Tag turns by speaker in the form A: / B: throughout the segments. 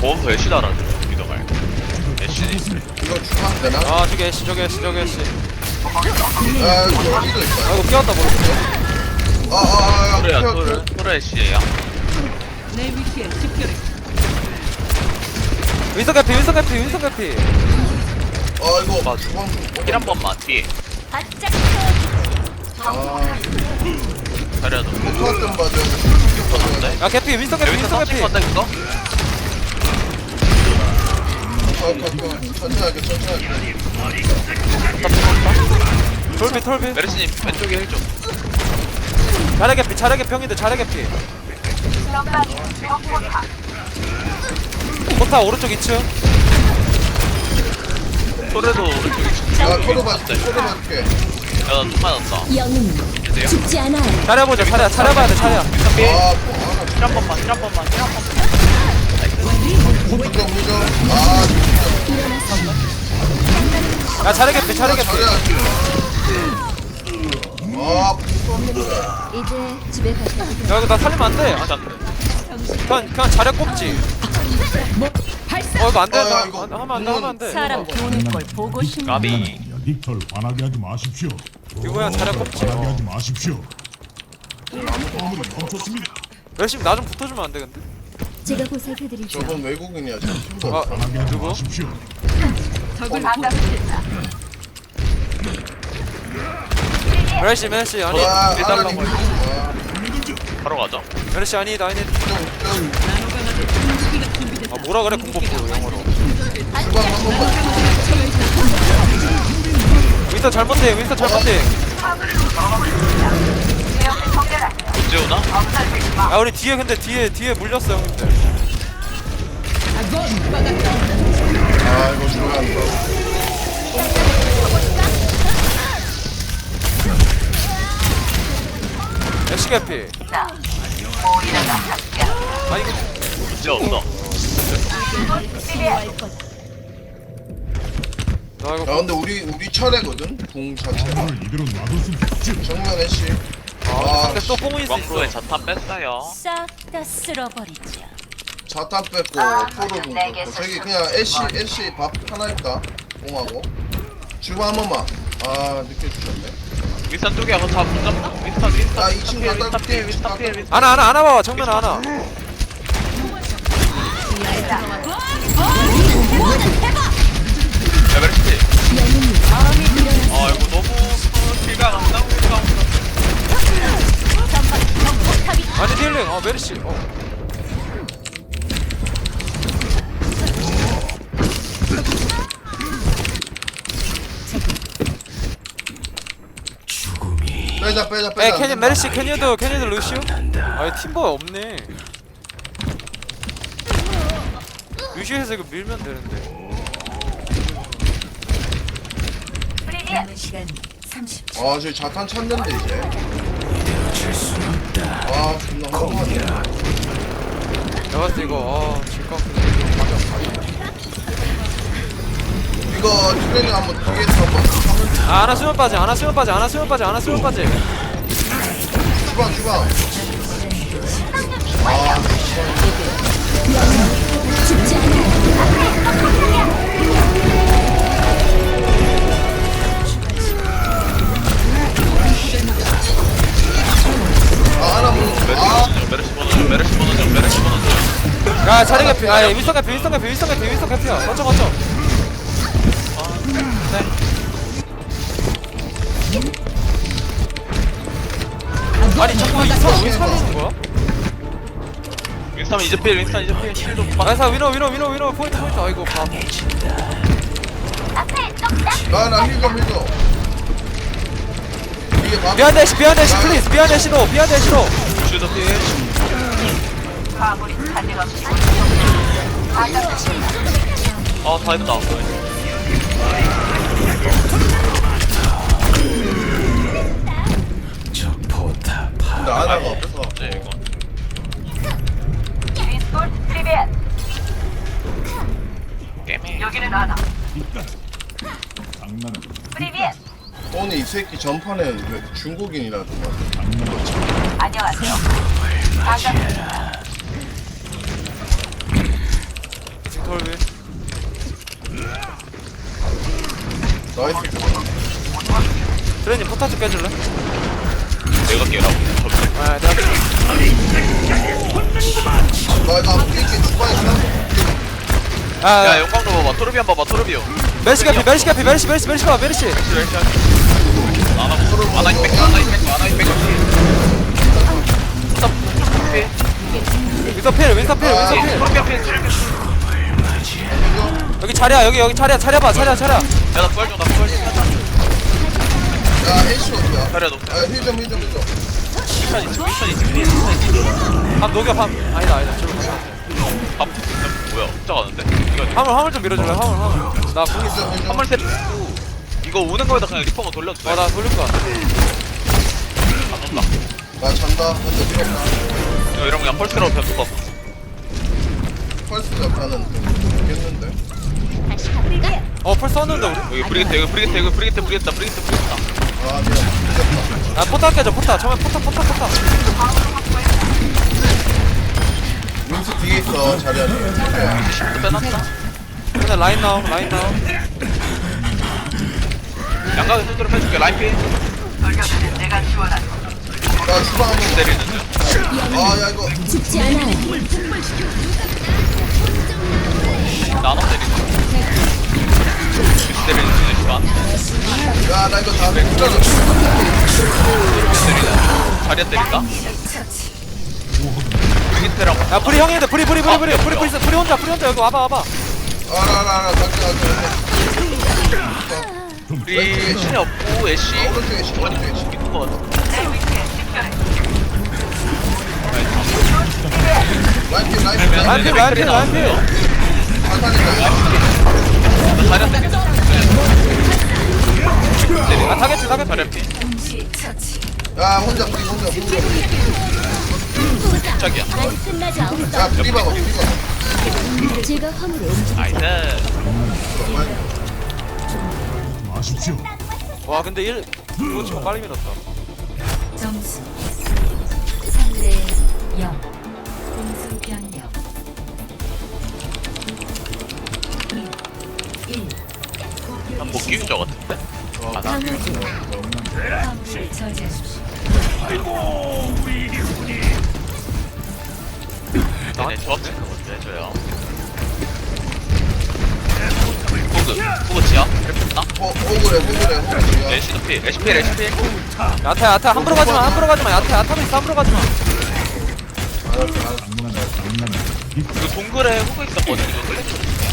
A: 보험서 애쉬 달아줘. 믿어 말. 애쉬.
B: 이거 주면 되나?
C: 아 저기 애쉬 저기 애쉬 저기 애쉬.
B: 야 이거 어디도 있다.
C: 아 이거 끼웠다 모르겠어.
A: 토르야
B: 켜,
A: 토르. 토르 애쉬야.
D: 내 위치에 집결해.
C: 윈서 개피 윈서 개피 윈서 개피.
B: 이거
A: 맞아.
B: 주방 좀
A: 힐한 번만 뒤에.
D: 바짝
A: 자리야 너.
B: 포토 좀 봐줘야 돼.
C: 야 개피 윈서 개피
A: 여기서
C: 윈서
A: 터치
C: 개피.
A: 건다 이거?
B: 천천히 할게 천천히 할게.
C: 톨비 톨비.
A: 메르시님 왼쪽에 힐 좀.
C: 자래 개피 자래 개피 형님들 자래 개피. 포타 오른쪽 2층.
A: 토르도 오른쪽에 있어.
B: 야 토로 봐줄게 토로 봐줄게.
A: 야나 좀 맞았다.
E: 영웅
A: 주세요.
E: 죽지 않아요.
C: 차려보자 차려 차려봐야 돼 차려.
A: 힐한 번만 힐한 번만 힐한 번만.
B: 포토 좀 해줘.
C: 야 자래 개피 자래 개피.
E: 이제 집에 가셔야 돼요.
C: 야 이거 나 살리면 안 돼.
A: 다시 안 돼.
C: 그냥 자래 꼽지. 이거 안 돼.
B: 야,
C: 나
B: 이거
C: 하면 안 돼 하면 안 돼.
D: 사람 보는 걸 보고 싶네.
A: 까비.
F: 닉털 화나게 하지 마십시오.
C: 이거 그냥 자래 꼽지.
F: 화나게 하지 마십시오. 건물이 멈췄습니다.
C: 열심히 나 좀 붙어주면 안 돼 근데?
E: 제가 보살펴드리죠.
B: 저건 외국인이야 지금 팀도.
C: 아
F: 화나게 하지
C: 누구?
F: 마십시오.
C: 메르시 메르시 아니
B: 와
C: 해달라고.
B: 하나님.
A: 바로 가자.
C: 메르시 아니다 아니.
B: 좀
C: 아 뭐라 그래 공복부 영어로.
B: 주방 한 번만.
C: 윈스터 잘못해 윈스터 잘못해.
A: 못 재우나?
C: 야 우리 뒤에 근데 뒤에 물렸어 형님들.
B: 이거 중요한다.
C: 애쉬 개피. 아 이거
A: 문제 없어.
C: 나 이거
B: 야 근데 우리 차례거든 공 자체.
F: 건물을 이대로 놔둘 수 없죠.
B: 정면에 씨.
C: 근데 또 뽕이 있어.
A: 왕프로에 자탄 뺐어요.
D: 싹 다 쓸어버리자.
B: 자탄 뺐고 포로 공 뺐고 저기 그냥 애쉬 밥 하나 있다. 공하고. 주방 한 번만. 늦게 주셨네.
A: 윈스턴 쪽이야. 그거 다못 잡나? 윈스턴
B: 아, 이 친구
A: 윈스턴
B: 갖다
A: 피해
B: 줄게.
A: 윈스턴 피해 윈스턴.
C: 하나 봐봐 정면 하나.
A: 야 메르시. 이거 너무 길가 안 나오니까.
C: 아니 딜링 메르시.
B: 빼자.
C: 캐년 메르시 캐니어도 루시오? 아이 팀버가 없네. 루시오에서 이거 밀면 되는데.
B: 저기 자탄 찾는데 이제. 존나 허무하네.
C: 내가 봤을 때 이거 질것 같은데.
B: 이거 트레이닝 한번 뒤에서 한번 하면 돼.
C: 하나 수면 빠지 하나 수면 빠지
B: 주방.
E: 죽지 않아요.
B: 하나 뭐.
A: 메르시 번호 좀.
C: 야 자리 개피 윈스턴 개피야. 거쳐. 아니 자꾸 윈스턴 왜 살리는 거야?
A: 윈스턴 이제 필 힐도
C: 나이스 위너 포인트 아이고 밥.
B: 나힐 좀. 이게 밥.
C: 비하인드 애쉬 플리즈 비하인드 애쉬로
A: 슈도 피해. 다 했다.
B: 근데 하나가 없어.
A: 네 이거.
F: 장난은
B: 오늘 이 새끼 전판에 왜 중국인이라더만. 나이스.
G: 트레님 포탑 좀 깨줄래?
A: 내가 깨라고.
G: 아 내가
B: 나 이거 한번 깰게. 주방에 있나?
A: 야
G: 아
A: 영광로 봐봐. 토르비안 봐봐. 토르비오.
G: 메르시 개피 메르시 개피 메르시 봐 메르시
A: 아나이 백.
G: 윈서 필
A: 토르비안 필.
G: 여기 자리야 여기 자리야 봐 자리야
A: 야나 부활 좀.
B: 야, 애쉬 어디야?
A: 자리야 높.
B: 아, 힐 좀.
A: 미션 있지.
G: 밤 녹여 밤 아니다 저로 가자
A: 밥 뭐야? 혼자 가는데? 이거
G: 화물 좀 밀어줄래 화물 나 궁 있어
A: 한번 세트. 이거 오는 거에다 그냥 리퍼만 돌려도 돼.
G: 나 돌릴 거야
A: 안 온다.
B: 나 잔다. 근데 필요 없나?
A: 이거 이러면 그냥 펄스라고 변수 없어.
B: 펄스 약간은 좀 모르겠는데.
E: 다시 가볼까?
G: 어펄 썼는데 우리
A: 여기 브리게트.
B: 아, 미안. 늦었다.
G: 아 포탑 깨져 포탑 처음에 포탑
B: 윈스 뒤에 있어, 자리야.
A: 빼놨다.
G: 근데 라인 나옴
A: 양각에 손으로 빼줄게. 라인 피.
B: 나 주방 한번
A: 때리는 중.
B: 아, 야, 이거.
E: 죽지 않아요.
A: 나눠 때리는 중. 때리는 중에 시간.
B: 야, 나 이거 다음에 힐러로
A: 때리는. 자리야 때린다. 브리게트랑
G: 야 프리 형인데 프리 혼자 여기 와봐
B: 알아. 갈게.
A: 우리 신이 없고 애쉬.
B: 오른쪽에 시, 오른쪽에 시.
A: 있는 거 같아.
B: 라인필.
G: 라인필
B: 자탄이다.
A: 자리야 때린다.
G: 아 타겟팅
A: 자리야 피.
B: 야, 혼자.
A: 짝이야.
E: 아직 끝나지 않았어.
B: 야, 프리바가.
E: 제가 화물을 옮기죠.
A: 나이스.
F: 마십시오.
G: 와 근데 이거 지금 빨리 밀었다
D: 점수 3대 0 공수 변경 1
A: 한못 끼운 적 같은데?
E: 강화주
D: 화물을 저지하십시오.
A: 네, 조합 체크 먼저 해줘요. 호그 지야? 헬프나?
B: 호그래.
A: 애쉬도 피. 애쉬 피.
G: 야타 함부로 가지마 야타도 있어 함부로 가지마
A: 그 동굴에 호그 있었거든. 이거 클릭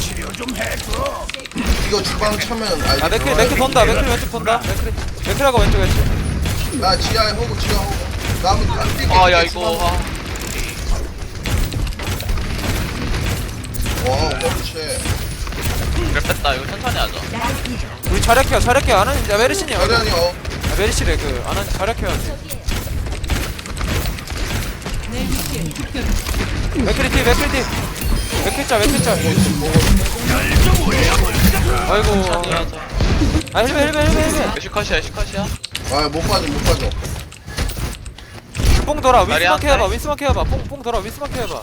B: 이거 주방 차면
G: 야 맥클 돈다 맥클 왼쪽 돈다 맥클하고 왼쪽
B: 나 지하에 호그. 나무 안 뛰게.
A: 아, 야, 이거.
B: 와, 그렇지.
A: 그래, 뺐다. 이거 천천히 하자.
G: 우리 자력해요 안 하는 야 메르시니
B: 자리아니,
G: 메르시래 안 하는 자력해야지 맥클이 뒤 맥클짤 아이고
A: 천천히 하자.
G: 아 헬베
A: 애쉬 컷이야.
B: 아, 못 빠져.
G: 뽕 돌아
A: 자리
G: 윈스만 케어봐 뽕 돌아 윈스만 케어봐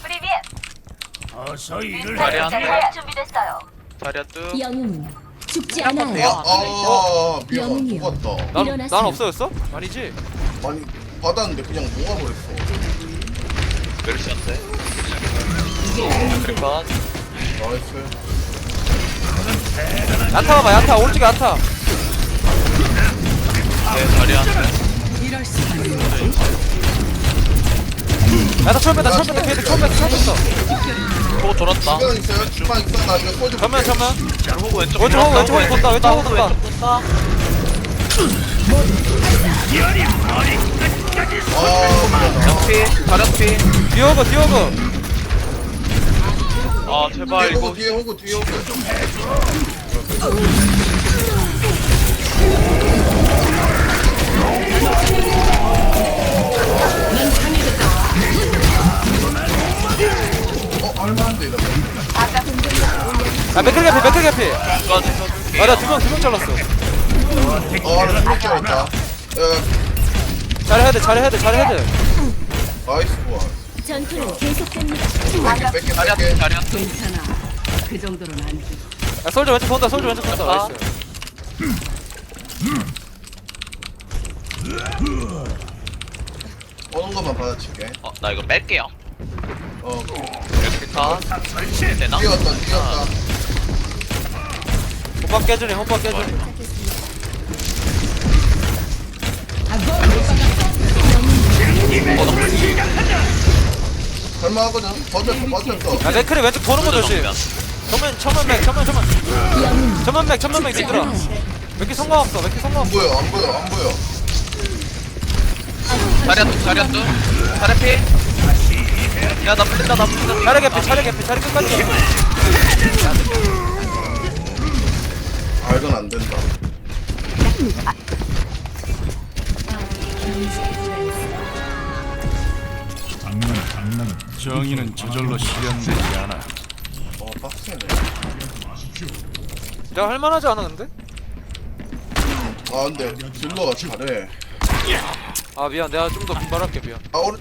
A: 자리야 자리야 뚝.
E: 영웅은 죽지
B: 아,
E: 않아요.
B: 미안.
E: 영웅이요.
B: 죽었다.
G: 난
E: 일어나세요.
G: 없어졌어? 아니지
B: 아니, 받았는데 그냥 녹아버렸어.
A: 메르시한테. 그리고
B: 나이스.
G: 야타 봐봐 야타 오른쪽에 야타
A: 내 자리한테.
G: 야타 처음 뺐다 걔들 처음 뺐어
A: 호그 돌았다.
B: 주방 있어. 나 이거 소주.
G: 전면
A: 호그 왼쪽.
G: 왼쪽 호그 본다 왼쪽 호그 본다
B: 아,
A: 자리야 피.
G: 디오그
A: 아 제발 이거.
B: 뒤에 호그. 얼마인데 이러면?
G: 야 맥클 개피
A: 까지 써줄게.
G: 아나 두명 잘랐어
B: 나 죽을 줄 알았다. 야,
G: 잘해야 돼
B: 나이스 좋아.
E: 전투는 계속됩니다.
B: 뺄게.
A: 자리야.
D: 괜찮아. 그 정도는 아니지.
G: 야 솔저 왼쪽 본다 나이스
B: 오는 것만 받아칠게.
A: 나 이거 뺄게요. 이렇게 다 되나?
B: 뛰었다.
G: 호박 깨주네 호박 깨주네.
B: 설마하거든. 버텼어.
G: 야 맥크리 왼쪽 도는 거 조심. 천만 맥 얘들아. 몇 개 성공 없어 몇 개 성공
B: 안
G: 없어.
B: 보여.
A: 자리야 피. 야나 풀린다.
G: 자리 개피 자리 끝까지.
B: 아, 이건 안 된다.
F: 장난은 정의는 저절로 실현되지 않아.
B: 빡세네.
G: 내가 할만하지 않아 근데?
B: 아, 근데 딜러가 잘해.
G: 아 미안 내가 좀 더 분발할게 미안.
B: 아, 오늘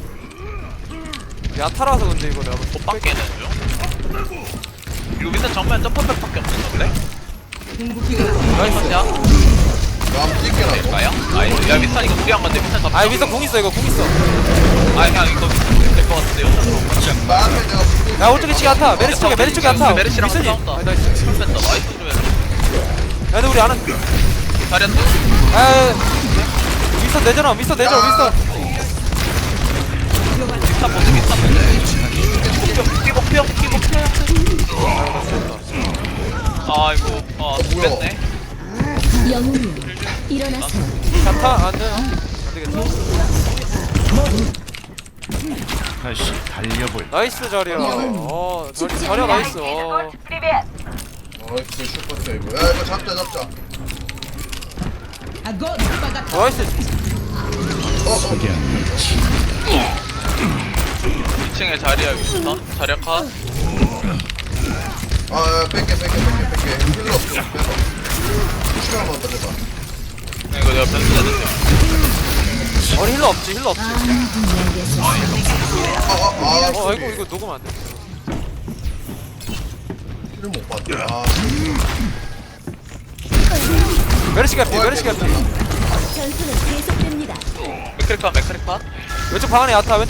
G: 야타라서 근데 이거 내가
A: 못 받게는 중. 이거 밑에 정면 점프백밖에 없는 건데? 나이스 야
B: 남 찍게나.
A: 될까요? 야 밑산 이거 무리한 건데 밑산 잡자.
G: 아 미스터 공 있어 이거 공 있어.
A: 그냥 이거 될것 같은데요?
B: 나한테 내가
G: 야 오른쪽에 치기 야타 메리치 쪽에 야타.
A: 메르시랑
G: 미스니.
A: 싸운다.
G: 아 나이스.
A: 뺐다. 나이스 좀
G: 야 근데 우리 안은.
A: 자리야 또?
G: 아 미스터 내잖아 미스터
A: 밑산 보드. 아이고 뺐네.
E: 영웅이여 일어나세요.
G: 야타 안돼. 안되겠다.
F: 다시 달려볼.
G: 나이스 자리야. 자리야 나이스.
B: 나이스 슈퍼 세이브. 야, 이거 잡자.
G: 나이스.
A: 2층에 자리야 있어. 자리야 컷.
B: 아, 뺄게. 힐러 없어. 빼서. 시간 한번 더 해봐.
A: 이거 내가 변수해줄게.
G: 우리 힐러 없지.
B: 아,
G: 아이고 이거 녹으면 안 돼.
B: 힐을 못 봤네. 아,
G: 메르시 개피.
E: 전투는 계속됩니다.
A: 맥크리 컷.
G: 왼쪽 방 안에 야타.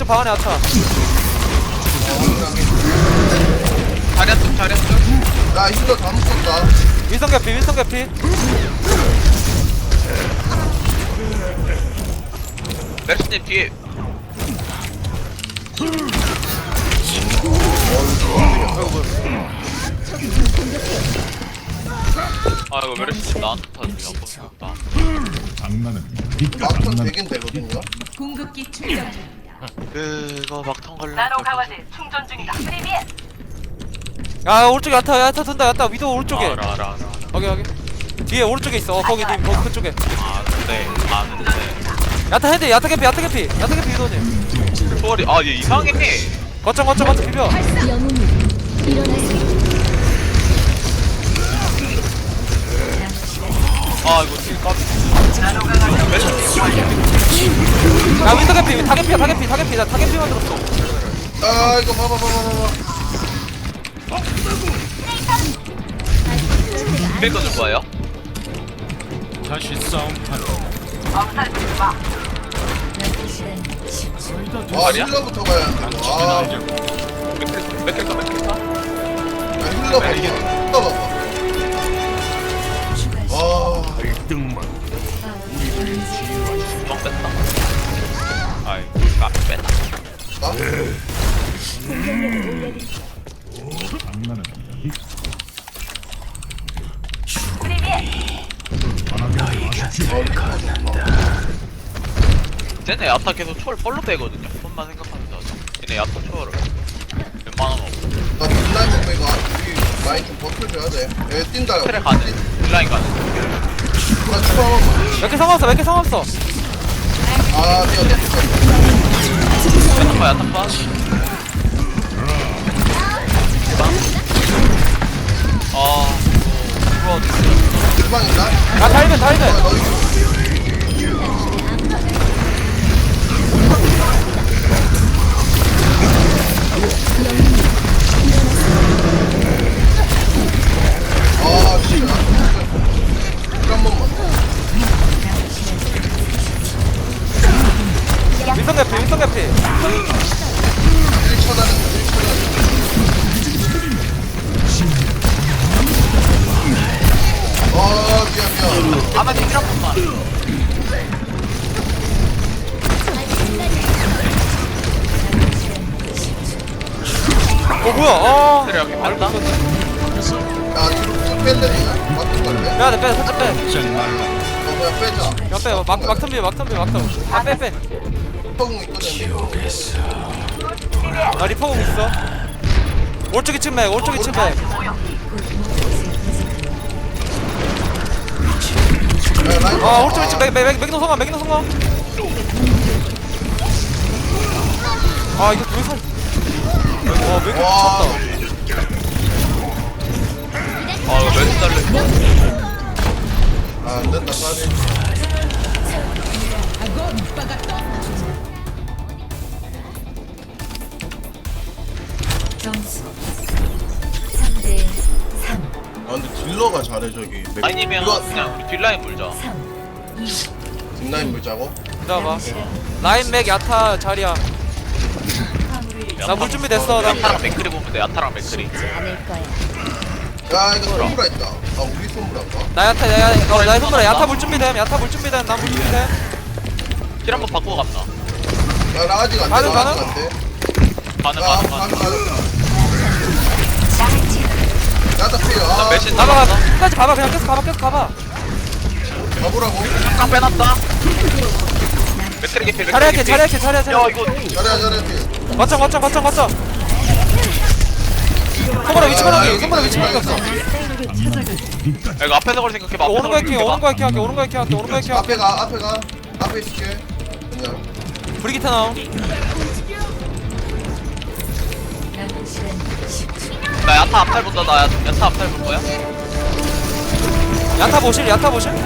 A: 자리야 쪽.
B: 나 힐러 다 묶었다.
G: 윈성 개피.
A: 메르시님 뒤에. 아이고 메르시님 나한테 터지냐 고생했다.
F: 장난은 니가
B: 막턴
F: 장난.
B: 되긴 되거든요.
C: 궁극기 충전 중.
A: 그거 막탄 걸려.
G: 야 오른쪽에 야타 돈다 야타 위도 오른쪽에.
A: 알아.
G: 여기 뒤에 오른쪽에 있어. 거기 님 거기 그쪽에.
A: 아는데.
G: 야타 헤드 야타 개피 위도님.
A: 초월이 얘 이상해.
G: 거점 비벼.
E: 영웅이여 일어나세요.
A: 이거 딜 까비.
G: 야 윈서 개피 다 개피야 나 다 개피만 들었어.
B: 아, 이거 봐봐.
A: 밀 거줄 거예요?
F: 다시 싸움판.
B: 아, 힐러부터 가야 돼. 아,
A: 맥크리 컷.
B: 힐러 봐봐. 아,
F: 1등만.
A: 주먹 뺐다. 아이 까비 뺐다.
B: 나?
F: 장난은 니.
A: 쟤네 야타 계속 초월 뻘로 빼거든요. 손만 생각하면서 하자. 얘네 야타 초월을 웬만하면 없어.
B: 나 딜라인 못 빼고 우리 라인 좀 버텨줘야 돼. 얘 뛴다.
A: 트랙 가는 딜라인 가는.
B: 나 추가 한 번만.
G: 몇 개 상관없어
B: 아, 미안.
A: 야타
B: 주방 있나?
G: 아 달면
B: 너 이거 아, 진짜.
G: 뭐야
A: 그래 여기 뺐다.
B: 야 뒤로 쭉 뺄래니까 맞는 건데
G: 빼야돼 빼 살짝 빼
F: 장 말라.
B: 그냥 빼자
G: 그냥 빼 막텀비
B: 펑 있거든
G: 나 리퍼공 있어 오른쪽 2층 맥 오른쪽 2층 맥
B: 야 라인
G: 아 오른쪽 2층 맥노 성공 아 이거 둘이 살 맥노
B: 와
G: 미쳤다
A: 아 이거 몇 달래?
B: 아, 안된다 까비
D: 점수 3대 3.
B: 아 근데 딜러가 잘해 저기
A: 아니면
B: 이거
A: 그냥 우리 뒷라인 물자.
D: 3, 2,
B: 뒷라인 물자고
G: 기다려봐 라인 맥 야타 자리야 나 물 준비됐어 나
A: 야타랑 맥크리 보면 돼. 야타랑 맥크리.
E: 않을 거야.
B: 야 이거 손브라 있다 아 우리 손브라인가?
G: 나 야타 나의 손으로 야타 물 준비됨 나 물 준비됨
A: 킬 한번 바꾸고 갑나.
B: 야 나 아직 안돼
G: 가능,
B: 나
G: 가능?
B: 아직 안돼
A: 가능
B: 야
A: 가능
B: 가능
A: 가능.
B: 가능 야다 피해
A: 나
B: 아
A: 메신
G: 가봐
A: 나갔어.
G: 끝까지 가봐 그냥 계속 가봐
B: 가보라고
A: 딱 빼놨다. 맥크리 개피.
G: 자리야
A: 야 이거
B: 잘해 피
G: 거점 손보라 위치 변하기 없어
A: 야, 이거 앞에서 걸 생각해봐.
G: 오는 거 해킹 할게
B: 앞에 가 앞에 있을게 그냥
G: 브리기타 나옴
D: 남은 시간 10초.
A: 나 야타 앞탈 본다. 나 야타 앞탈 볼 거야.
G: 야타 보실
A: 보는 중.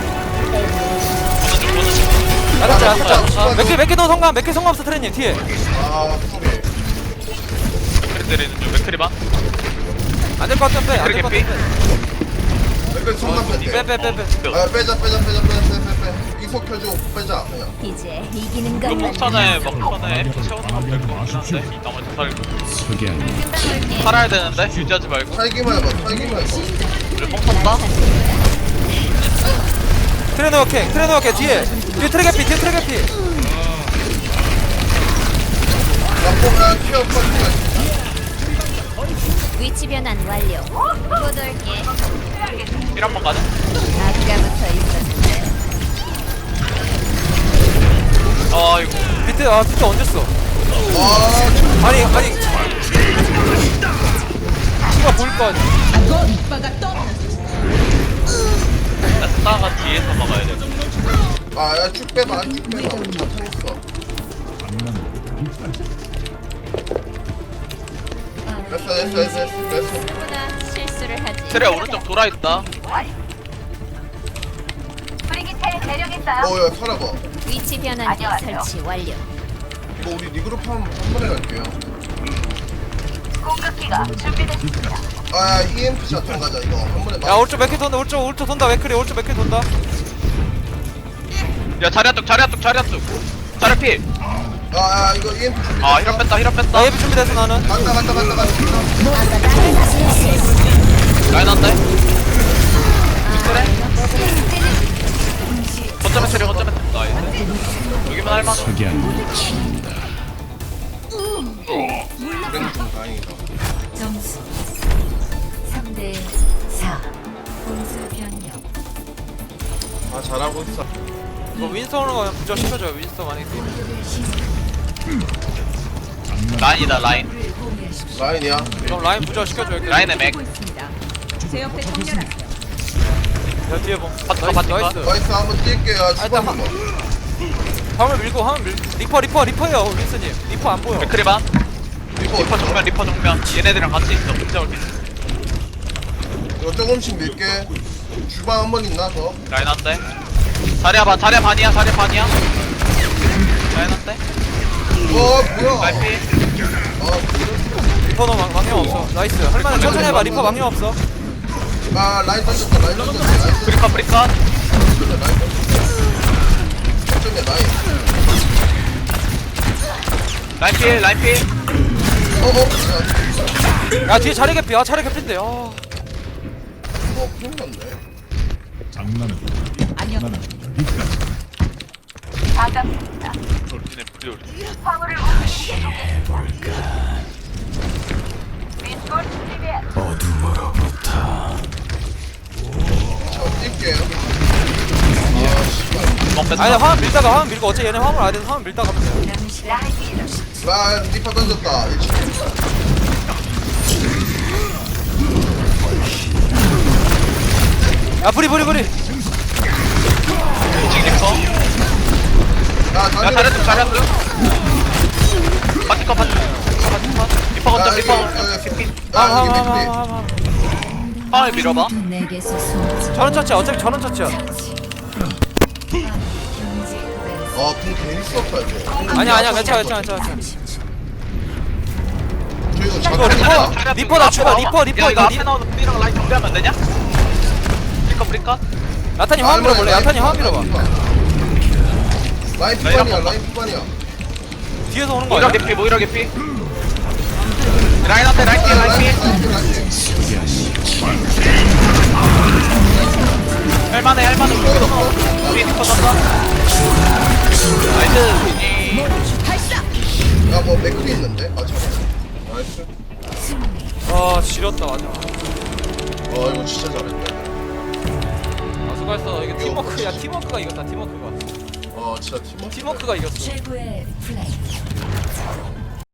G: 야타 몇개 더 성공 몇개 성공 없어 트레님 뒤에
B: 아 소리
A: 맥크리 때리는 중. 맥크리만.
G: 안될 것 같으면
A: 맥크리
G: 빼안될 것
A: 개피.
G: 같으면
B: 맥을 손만 뺐대
G: 빼
B: 아 빼자 이속 켜주고 빼자 그냥
E: 이제 이기는
A: 이거
E: 것만
A: 폭탄에 막판에 F 채워서
F: 방해하지
A: 될것 같긴
F: 마십시오.
A: 한데 나머지 살고
F: 석양.
A: 살아야 되는데 유지하지 말고.
B: 살기만 해봐
A: 우리 뽕 탔다.
G: 트레너 게 뒤에 트레 개피
B: 나보면 튀어 퍼지가
E: 위치 변환 완료. 못 올게.
A: 힐 한번 가자.
E: 아까부터 있었는데.
A: 이거
G: 비트 언제 써
B: 아
G: 아니 키가 보일 거 아니야
A: 야타가 뒤에서 막아야 돼.
B: 아야 쭉 빼봐 다 차있어 됐어
E: 누구나 실수를 하지.
A: 트레 오른쪽 돌아 있다.
B: 어야 살아봐
E: 위치 변환기 설치 완료.
B: 이거 우리 리그룹 한 번에 갈게요 아야 EMP 샷 가자 이거 한 번에
G: 야 오른쪽 맥키 돈다 오른쪽 돈다 맥크리 오른쪽 맥키 돈다
A: 야 자리야 뚝 자리야 피.
B: 아야 이거 EMP 준비
A: 힐업 뺐다.
G: 나 예비 준비됐어 나는
B: 간다
A: 라인 한다. 거점에 트레 나이스. 여기만 할만해.
F: 석양 친다.
B: 그래도 좀 다행이다
D: 점수 3대 4. 공수 변경.
B: 아 잘하고 있어
G: 이거 윈스턴으로 그냥 부자 시켜줘요 윈스턴 만약에
A: 라인이다 라인.
B: 라인이야
G: 그럼 라인 부자 시켜줘요
A: 라인의 맥.
G: 야 뒤에 봄
A: 바꿔.
G: 나이스
B: 나이스 한번 뛸게요
G: 일단
B: 주방
G: 화물 밀고 리퍼요 윈스님 리퍼 안 보여
A: 맥크리 반. 리퍼 정면. 얘네들이랑 같이 있어. 진짜 올게.
B: 이거 조금씩 밀게 주방 한 번 있나 더?
A: 라인 한대. 자리야 반이야. 라인 한대.
B: 뭐야
A: 라인 피.
G: 리퍼 너 망령 없어 나이스 할만해 천천히 해봐 리퍼 망령 없어
B: 아 라인 던졌다 나이스
A: 브리카.
B: 어쩌면
A: 라인 피.
G: 야 뒤에 자리 개피 자리 개피인데
B: 큰일 났네
F: 장난은
A: 돌진의 프리올.
G: 아니 화면 밀다가 화면 밀고 어차피 얘네 화물 안 돼서 화면 밀다가 가면 돼.
D: 남은 시간 10초.
B: 라 리퍼 던졌다.
G: 야 브리
B: 지금 리퍼. 야
A: 야 잘했어 잘했어 바티커 바티커 리퍼 건져 리퍼
B: 아 여기 밑에.
A: 파울 밀어봐
D: 모두 내게서 숨지.
G: 저런 처치야 어차피 저런 처치야
D: 경제 구간에서
B: 아궁 괜히 썼다 이거.
G: 아니야 괜찮아 괜찮아
D: 30초.
B: 저 이거
G: 이거
B: 잡혔다.
G: 리퍼 나 추가 리퍼
A: 야 이거 앞에 나오는 B랑 라인 정비하면 안 되냐? 브리컷
G: 야탄이 화면 밀어볼래 야탄이 화면 밀어봐
B: 라인 피반이야 라인 피반이야.
G: 뒤에서 오는 거
A: 모이라
G: 아니야?
A: 개피 모이라 개피 라인 앞에 라인 뒤에 라인 뒤에 할만해 할만해 우리 리퍼 떴어 나이스
B: 야뭐 맥클이 있는데? 아 잠깐. 나이스.
G: 아 지렸다 맞아
B: 이거 진짜 잘했다.
G: 아 수고했어 이게 팀워크야 팀워크가 이겼다 팀워크가
B: 진짜 팀워크.
G: 팀워크가 이겼어
D: 최고의 플레이.